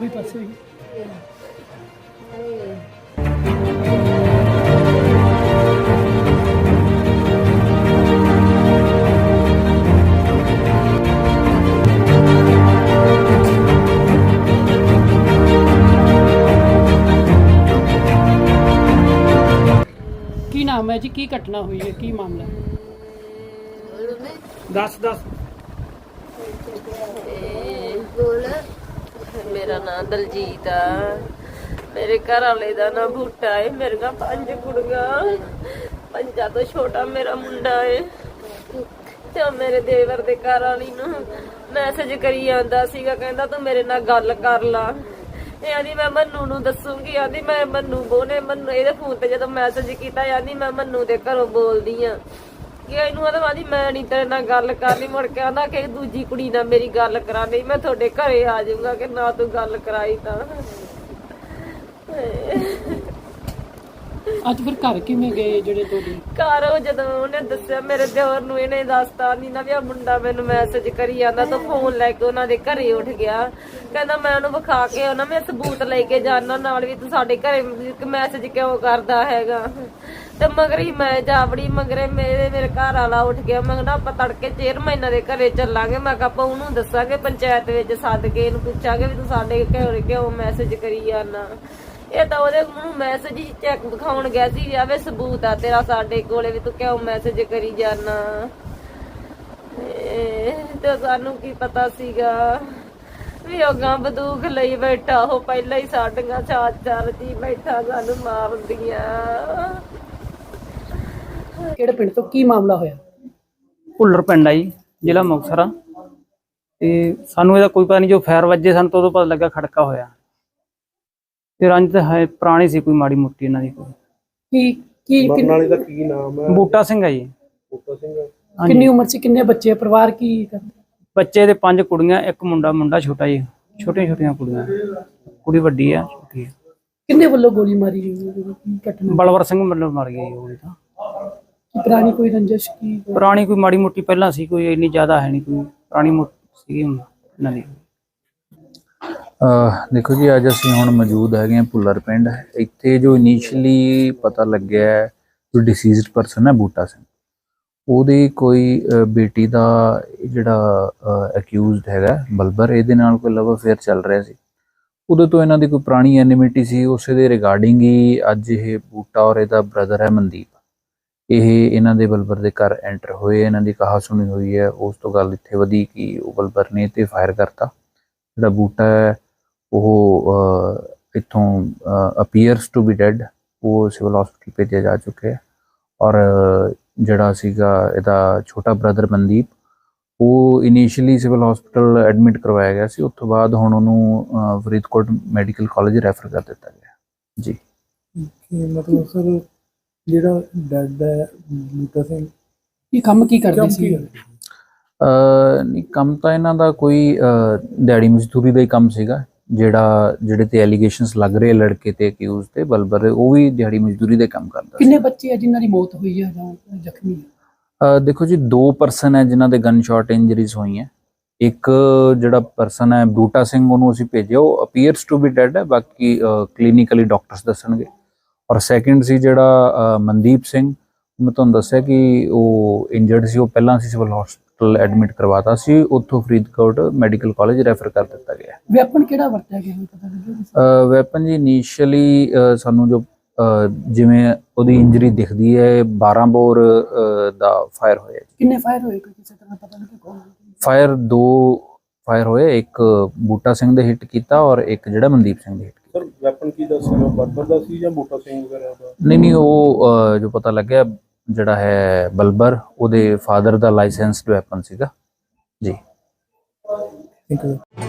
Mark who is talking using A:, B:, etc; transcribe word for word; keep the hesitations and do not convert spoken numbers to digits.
A: ਵੀ ਪਾਸੇ ਕੀ ਨਾਮ ਹੈ ਜੀ? ਕੀ ਘਟਨਾ ਹੋਈ ਹੈ? ਕੀ ਮਾਮਲਾ ਹੈ? दस दस
B: मेरा नाम दलजीत आ, मेरे घर वाले का नाम बूटा है। मेरे का पंज कुड़ियां, पंजा तो छोटा मेरा मुंडा है। ते मेरे देवर दे घर वाली नूं मैसेज करी आंदा सीगा, कहंदा तू मेरे नाल गल कर ला। ਇਹ ਆਂਦੀ ਮੈਂ ਮੰਨੂ ਨੂੰ ਦੱਸੂਗੀ, ਆਂਦੀ ਮੈਂ ਮੰਨੂ ਬੋਨੇ ਮੰਨੂ ਇਹਦੇ ਫੋਨ ਤੇ ਜਦੋਂ ਮੈਸੇਜ ਕੀਤਾ ਆਂਦੀ ਮੈਂ ਮੰਨੂ ਦੇ ਘਰੋਂ ਬੋਲਦੀ ਆ ਕਿ ਇਹਨੂੰ ਆਂਦੀ ਮੈਂ ਨਹੀਂ ਤੇਰੇ ਨਾਲ ਗੱਲ ਕਰਨੀ। ਮੁੜ ਕੇ ਆਂਦਾ ਕਿ ਦੂਜੀ ਕੁੜੀ ਨਾਲ ਮੇਰੀ ਗੱਲ ਕਰਾਣੀ, ਮੈਂ ਤੁਹਾਡੇ ਘਰੇ ਆ ਜਾਊਂਗਾ ਕਿ ਨਾ ਤੂੰ ਗੱਲ ਕਰਾਈ ਤਾਂ।
A: ਅੱਜ ਫਿਰ ਘਰ ਕਿਵੇਂ ਗਏ ਜਿਹੜੇ ਤੁਹਾਡੇ
B: ਘਰ? ਉਹ ਜਦੋਂ ਉਹਨੇ ਦੱਸਿਆ ਮੇਰੇ ਦਿਓਰ ਨੂੰ, ਇਹਨੇ ਦੱਸਤਾ ਨਹੀਂ ਨਾ ਵੀ ਆ ਮੁੰਡਾ ਮੈਨੂੰ ਮੈਸੇਜ ਕਰੀ ਜਾਂਦਾ, ਤਾਂ ਫੋਨ ਲੈ ਕੇ ਉਹਨਾਂ ਦੇ ਘਰੇ ਉੱਠ ਗਿਆ। ਕਹਿੰਦਾ ਮੈਂ ਉਹਨੂੰ ਵਿਖਾ ਕੇ ਉਹਨਾਂ ਮੈਂ ਸਬੂਤ ਲੈ ਕੇ ਜਾਣਾ ਨਾਲ ਵੀ ਤੂੰ ਸਾਡੇ ਘਰੇ ਮੈਸੇਜ ਕਿਉਂ ਕਰਦਾ ਹੈਗਾ। ਤੇ ਮਗਰ ਹੀ ਮੈਂ ਜਾਵੜੀ ਮਗਰੇ ਮੇਰੇ ਮੇਰੇ ਘਰ ਵਾਲਾ ਉੱਠ ਗਿਆ। ਮੈਂ ਕਿਹਾ ਆਪਾਂ ਤੜਕੇ ਚੇਅਰਮੈਨਾਂ ਦੇ ਘਰੇ ਚੱਲਾਂਗੇ। ਮੈਂ ਕਿਹਾ ਆਪਾਂ ਉਹਨੂੰ ਦੱਸਾਂਗੇ, ਪੰਚਾਇਤ ਵਿੱਚ ਸੱਦ ਕੇ ਇਹਨੂੰ ਪੁੱਛਾਂਗੇ ਵੀ ਤੂੰ ਸਾਡੇ ਘਰੇ ਕਿਉਂ ਮੈਸੇਜ ਕਰੀ ਜਾਂਦਾ। ਇਹ ਤਾਂ ਉਹਦੇ ਨੂੰ ਮੈਸੇਜ ਹੀ ਚੈੱਕ ਦਿਖਾਉਣ ਗਿਆ ਸੀ, ਆਵੇ ਸਬੂਤ ਆ ਤੇਰਾ ਸਾਡੇ ਕੋਲੇ ਵੀ ਤੂੰ ਕਿਉਂ ਮੈਸੇਜ ਕਰੀ ਜਾਨਾ। ਤੇ ਸਾਨੂੰ ਕੀ ਪਤਾ ਸੀਗਾ ਵੀ ਉਹ ਗਾਂ ਬੰਦੂਕ ਲਈ ਬੈਠਾ, ਉਹ ਪਹਿਲਾਂ ਹੀ ਸਾਡੀਆਂ ਚਾਰ ਚਾਰ ਜੀ ਬੈਠਾ ਸਾਨੂੰ ਮਾਰਦੀਆਂ।
A: ਕਿਹੜੇ ਪਿੰਡ ਤੋਂ ਕੀ ਮਾਮਲਾ ਹੋਇਆ?
C: ਭੁੱਲਰ ਪਿੰਡ ਆ ਜੀ, ਜ਼ਿਲ੍ਹਾ ਮੁਕਤਸਰ ਆ। ਤੇ ਸਾਨੂੰ ਇਹਦਾ ਕੋਈ ਪਤਾ ਨਹੀਂ, ਜੋ ਫਾਇਰ ਵੱਜੇ ਸਾਨੂੰ ਤਾਂ ਉਦੋਂ ਪਤਾ ਲੱਗਾ ਖੜਕਾ ਹੋਇਆ। ਤੇ ਰੰਜ ਤਾਂ ਹੈ ਪੁਰਾਣੀ ਸੀ ਕੋਈ ਮਾੜੀ ਮੋਟੀ ਇਹਨਾਂ ਦੀ।
A: ਕੀ ਕੀ
D: ਮਰਨ ਵਾਲੇ ਦਾ ਕੀ ਨਾਮ ਹੈ?
C: ਬੂਟਾ ਸਿੰਘ ਹੈ ਜੀ।
D: ਬੂਟਾ ਸਿੰਘ।
A: ਕਿੰਨੀ ਉਮਰ ਸੀ? ਕਿੰਨੇ ਬੱਚੇ? ਪਰਿਵਾਰ ਕੀ ਕਰਦੇ?
C: ਬੱਚੇ ਦੇ ਪੰਜ ਕੁੜੀਆਂ, ਇੱਕ ਮੁੰਡਾ। ਮੁੰਡਾ ਛੋਟਾ ਜੀ, ਛੋਟੀਆਂ ਛੋਟੀਆਂ ਕੁੜੀਆਂ, ਕੁੜੀ ਵੱਡੀ ਆ, ਛੋਟੀ ਆ।
A: ਕਿੰਨੇ ਵੱਲੋਂ ਗੋਲੀ ਮਾਰੀ ਗਈ? ਘਟਨਾ
C: ਬਲਵਰ ਸਿੰਘ ਵੱਲੋਂ ਮਰ ਗਈ ਗੋਲੀ ਤਾਂ।
A: ਕੀ ਪੁਰਾਣੀ ਕੋਈ ਰੰਜਿਸ਼? ਕੀ
C: ਪੁਰਾਣੀ ਕੋਈ ਮਾੜੀ ਮੋਟੀ ਪਹਿਲਾਂ ਸੀ, ਕੋਈ ਇੰਨੀ ਜ਼ਿਆਦਾ ਹੈ ਨਹੀਂ, ਕੋਈ ਪੁਰਾਣੀ ਮੋਟੀ ਸੀਗੀ ਇਹਨਾਂ ਦੀ।
E: देखो जी, अज असी हुण मौजूद है भुल्लर पिंड। इत्थे जो इनिशियली पता लग्या है जो डिसीज्ड परसन है बूटा सिंह, ਉਹਦੀ कोई बेटी का जिहड़ा अक्यूज्ड हैगा बलबर, ਇਹਦੇ ਨਾਲ कोई लव अफेयर चल रहा सी। उदों तो इन्हां दी कोई पुरानी एनिमिटी सी, उस दे रिगार्डिंग ही अज ये बूटा और इहदा ब्रदर है मनदीप, ਇਹ ਇਹਨਾਂ ਦੇ बलबर ਦੇ ਘਰ एंटर होए। इन्हां दी कहा सुनी हुई है, उस तो गल इत्थे वधी कि ਉਹ बलबर ने ते फायर करता। ਜਿਹੜਾ बूटा है ਉਹ ਇੱਥੋਂ ਅਪੀਅਰਸ ਟੂ ਬੀ ਡੈਡ, ਉਹ ਸਿਵਲ ਹਸਪੀਟਲ ਭੇਜਿਆ ਜਾ ਚੁੱਕਿਆ ਹੈ। ਔਰ ਜਿਹੜਾ ਸੀਗਾ ਇਹਦਾ ਛੋਟਾ ਬ੍ਰਦਰ ਮਨਦੀਪ, ਉਹ ਇਨੀਸ਼ੀਅਲੀ ਸਿਵਲ ਹਸਪੀਟਲ ਐਡਮਿਟ ਕਰਵਾਇਆ ਗਿਆ ਸੀ। ਉਸ ਤੋਂ ਬਾਅਦ ਹੁਣ ਉਹਨੂੰ ਫਰੀਦਕੋਟ ਮੈਡੀਕਲ ਕਾਲਜ ਰੈਫਰ ਕਰ ਦਿੱਤਾ ਗਿਆ ਜੀ।
D: ਮਤਲਬ ਸਰ ਜਿਹੜਾ ਡੈਡ ਹੈ ਬੂਟਾ ਸਿੰਘ,
A: ਇਹ ਕੰਮ ਕੀ ਕਰਦੇ ਸੀ?
E: ਨਹੀਂ, ਕੰਮ ਤਾਂ ਇਹਨਾਂ ਦਾ ਕੋਈ ਦਿਹਾੜੀ ਮਜ਼ਦੂਰੀ ਦਾ ਹੀ ਕੰਮ ਸੀਗਾ। ਜਿਹੜਾ ਜਿਹੜੇ ਤੇ ਐਲੀਗੇਸ਼ਨਸ ਲੱਗ ਰਹੇ ਲੜਕੇ ਤੇ ਅਕਿਊਜ਼ ਤੇ ਬਲਬਰ, ਉਹ ਵੀ ਦਿਹਾੜੀ ਮਜ਼ਦੂਰੀ ਦੇ ਕੰਮ ਕਰਦਾ।
A: ਕਿੰਨੇ ਬੱਚੇ ਆ ਜਿਨ੍ਹਾਂ ਦੀ ਮੌਤ ਹੋਈ ਹੈ ਜਾਂ ਜ਼ਖਮੀ ਹੈ?
E: ਦੇਖੋ ਜੀ, ਦੋ ਪਰਸਨ ਹੈ ਜਿਨ੍ਹਾਂ ਦੇ ਗਨ ਸ਼ਾਟ ਇੰਜਰੀਜ਼ ਹੋਈਆਂ। ਇੱਕ ਜਿਹੜਾ ਪਰਸਨ ਹੈ ਬੂਟਾ ਸਿੰਘ, ਉਹਨੂੰ ਅਸੀਂ ਭੇਜਿਆ, ਉਹ ਅਪੀਅਰਸ ਟੂ ਬੀ ਡੈਡ ਹੈ, ਬਾਕੀ ਕਲੀਨਿਕਲੀ ਡਾਕਟਰਸ ਦੱਸਣਗੇ। ਔਰ ਸੈਕਿੰਡ ਸੀ ਜਿਹੜਾ ਮਨਦੀਪ ਸਿੰਘ, ਮੈਂ ਤੁਹਾਨੂੰ ਦੱਸਿਆ ਕਿ ਉਹ ਇੰਜਰਡ ਸੀ, ਉਹ ਪਹਿਲਾਂ ਅਸੀਂ ਸਿਵਲ ਹਸਪੀਟਲ ਐਡਮਿਟ ਕਰਵਾਤਾ ਸੀ, ਉੱਥੋਂ ਫਰੀਦਕੋਟ ਮੈਡੀਕਲ ਕਾਲਜ ਰੈਫਰ ਕਰ ਦਿੱਤਾ ਗਿਆ।
A: ਵੈਪਨ ਕਿਹੜਾ ਵਰਤਿਆ ਗਿਆ ਪਤਾ ਲੱਗਿਆ?
E: ਵੈਪਨ ਜੀ ਇਨੀਸ਼ੀਅਲੀ ਸਾਨੂੰ ਜੋ ਜਿਵੇਂ ਉਹਦੀ ਇੰਜਰੀ ਦਿਖਦੀ ਹੈ, ਬਾਰਾਂ ਬੋਰ ਦਾ ਫਾਇਰ ਹੋਇਆ।
A: ਕਿੰਨੇ ਫਾਇਰ ਹੋਏ ਕਿਸੇ ਤਰ੍ਹਾਂ ਪਤਾ ਲੱਗਿਆ? ਕੌਣ
E: ਫਾਇਰ? ਦੋ ਫਾਇਰ ਹੋਏ, ਇੱਕ ਬੂਟਾ ਸਿੰਘ ਦੇ ਹਿੱਟ ਕੀਤਾ ਔਰ ਇੱਕ ਜਿਹੜਾ ਮਨਦੀਪ ਸਿੰਘ ਦੇ ਹਿੱਟ ਕੀਤਾ।
D: ਸਰ ਵੈਪਨ ਕੀ ਦਾ ਸੀ? ਬਲਬਰ ਦਾ ਸੀ ਜਾਂ ਬੂਟਾ ਸਿੰਘ ਵਗੈਰਾ ਦਾ?
E: ਨਹੀਂ ਨਹੀਂ, ਉਹ ਜੋ ਪਤਾ ਲੱਗਿਆ ਜਿਹੜਾ ਹੈ ਬਲਬਰ, ਉਹਦੇ ਫਾਦਰ ਦਾ ਲਾਇਸੈਂਸਡ ਵੈਪਨ ਸੀਗਾ ਜੀ।
D: Thank you.